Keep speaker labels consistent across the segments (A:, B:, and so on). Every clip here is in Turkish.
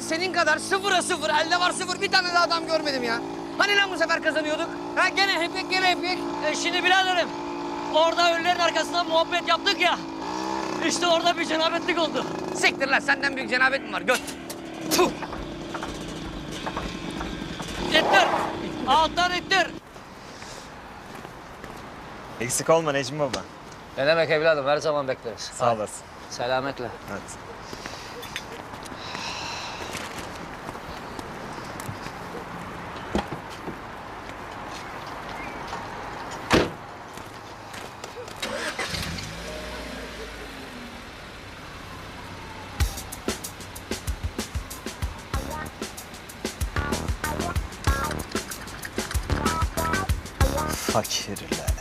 A: senin kadar sıfıra sıfır, elde var sıfır bir tane de adam görmedim ya. Hani lan bu sefer kazanıyorduk? Ha gene hep gene hep.
B: Şimdi biraderim, orada ölülerin arkasından muhabbet yaptık ya. İşte orada bir cenabetlik oldu.
A: Siktir lan, senden büyük cenabet mi var? Göt. Tuh.
B: İttir. Alttan ittir.
C: Eksik olma Necmi baba.
B: Ne demek evladım, her zaman bekleriz.
C: Sağ olasın.
B: Selametle.
C: Hadi. Fakirler.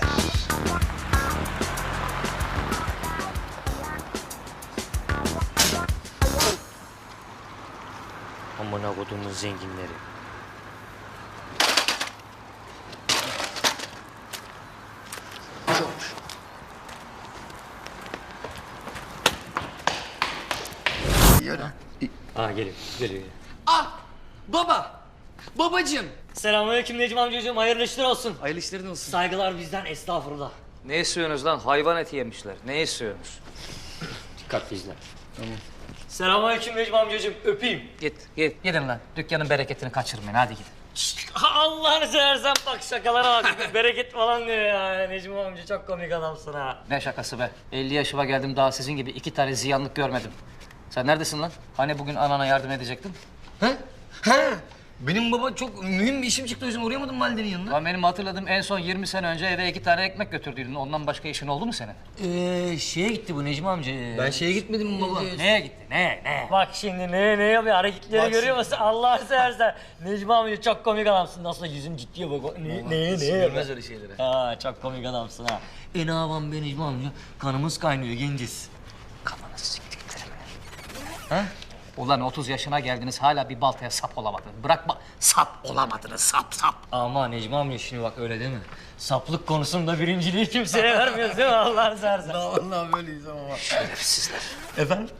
B: Amına kodumun zenginleri. Geliyor.
A: Ah! Baba! Babacığım!
B: Selamünaleyküm Necmi amcacığım, hayırlı işler olsun.
A: Hayırlı işlerin olsun.
B: Saygılar bizden, estağfurullah.
D: Ne istiyorsunuz lan? Hayvan eti yemişler. Ne istiyorsunuz?
B: Dikkatli izle. Tamam. Selamünaleyküm Necmi amcacığım, öpeyim.
D: Git.
B: Gidin lan, dükkanın bereketini kaçırmayın, hadi gidin. Allah'ını seversen bak şakalara bak, bereket falan diyor ya. Necmi amca çok komik adamsın ha. Ne şakası be? 50 yaşıma geldim daha sizin gibi 2 tane ziyanlık görmedim. Sen neredesin lan? Hani bugün anana yardım edecektin?
A: Ha? Ha? Benim baba çok mühim bir işim çıktı, o yüzden uğrayamadım Valide'nin yanına.
B: Lan benim hatırladığım en son 20 sene önce eve 2 tane ekmek götürdüydün. Ondan başka işin oldu mu senin?
A: Şeye gitti bu Necmi amca. Ben şeye gitmedim baba.
B: Neye gitti? Ne? Bak şimdi ne yapıyor? Hareketleri görüyor musun? Allah'ını seversen. Necmi amca çok komik adamsın. Nasıl yüzün ciddiye bak. Ne?
A: Bilmez öyle şeyleri.
B: Ha, çok komik adamsın ha. Ne yapalım be Necmi amca? Kanımız kaynıyor, genciz. Kafanı siktiklerim. Ha? Ulan 30 yaşına geldiniz hala bir baltaya sap olamadınız. Bırakma, sap olamadınız, sap. Ama Necmi amca şimdi bak öyle değil mi? Saplık konusunda birinciliği kimseye vermiyoruz değil mi Allah'ını seversen?
A: Vallahi böyleyiz ama.
B: Şerefsizler.
A: Efendim?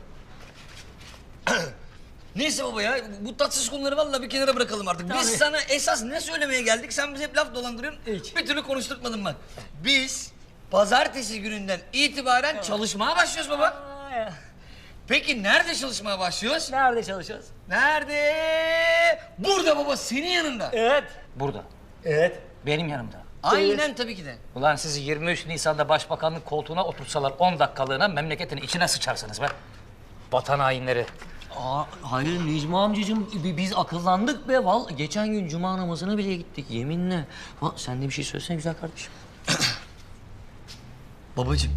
A: Neyse baba ya, bu tatsız konuları vallahi bir kenara bırakalım artık. Biz
B: Tabii.
A: sana esas ne söylemeye geldik? Sen bize hep laf dolandırıyorsun.
B: Hiç.
A: Bir türlü konuşturtmadın bak. Biz pazartesi gününden itibaren çalışmaya başlıyoruz baba.
B: Aa, ya.
A: Peki nerede çalışmaya başlıyoruz?
B: Nerede çalışıyoruz?
A: Nerede? Burada baba, senin yanında.
B: Evet. Burada.
A: Evet.
B: Benim yanımda.
A: Aynen tabii ki de.
B: Ulan sizi 23 Nisan'da başbakanlık koltuğuna otursalar 10 dakikalığına memleketin içine sıçarsınız be. Vatan hainleri. Aa, hayır Necmi amcacığım, biz akıllandık be. Geçen gün cuma namazına bile gittik yeminle. Sen de bir şey söylesene güzel kardeşim.
A: Babacığım.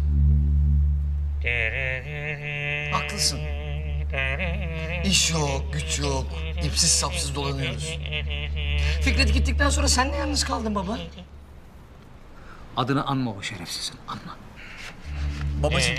A: Haklısın. İş yok, güç yok. İpsiz sapsız dolanıyoruz. Fikret gittikten sonra sen de yalnız kaldın baba.
B: Adını anma o şerefsizin, anma.
A: Babacığım.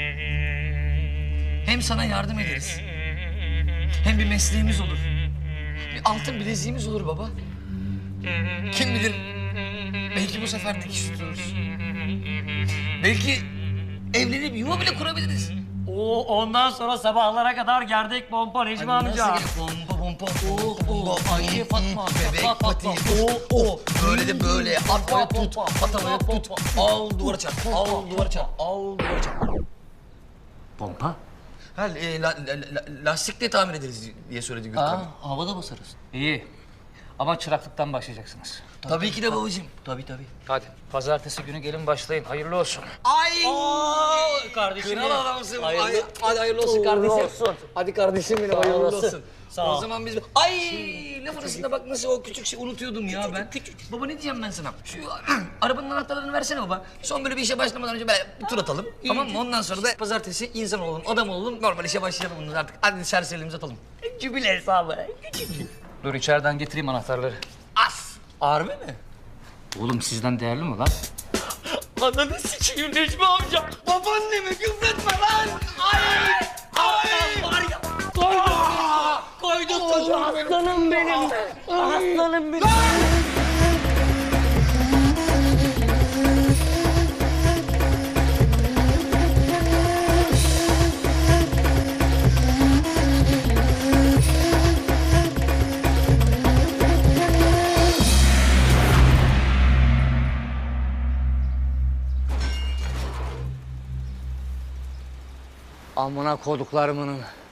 A: Hem sana yardım ederiz. Hem bir mesleğimiz olur. Bir altın bileziğimiz olur baba. Kim bilir, belki bu sefer dikiş tuturuz. Belki evlenip yuva bile kurabiliriz.
B: Ondan sonra sabahlara kadar gerdek pompa Necmi amca.
A: Pompa.
B: Ayşe Fatma.
A: Bebek pati. Böyle de böyle. At havaya tut. At havaya tut. Al duvara çarp. Al duvara çarp. Al duvara çarp.
B: Pompa?
A: Ha, lastikle tamir ederiz diye söyledi Gürkan.
B: Havada basarız. İyi. Ama çıraklıktan başlayacaksınız.
A: Tabii ki de babacığım. Tabii.
B: Hadi. Pazartesi günü gelin başlayın. Hayırlı olsun.
A: Ay!
B: Kardeşim
A: Kral adamsın.
B: Hayırlı.
A: Hadi hayırlı olsun kardeşim.
B: olsun.
A: Hadi kardeşim benim,
B: Sağ
A: hayırlı
B: olasın.
A: olsun.
B: Sağ ol.
A: O zaman biz... Ay! Laf arasında bak nasıl o küçük şey unutuyordum ya ben. Baba ne diyeceğim ben sana? Şu arabanın anahtarlarını versene baba. Son böyle bir işe başlamadan önce böyle bir tur atalım. Tamam mı? Ondan sonra da pazartesi insan olalım, adam olalım. Normal işe başlayalım bunlar artık. Hadi serseriliğimizi atalım.
B: Cübile hesabı. Dur içeriden getireyim anahtarları.
A: As! Harbi mi?
B: Oğlum sizden değerli mi lan?
A: Ananı sikeyim Necmi amca. Babaannemi küfretme lan. Ay!
B: Var ya. Koyduk çocuğu. Aslanım benim. Aslanım benim. Amına koduklarımın.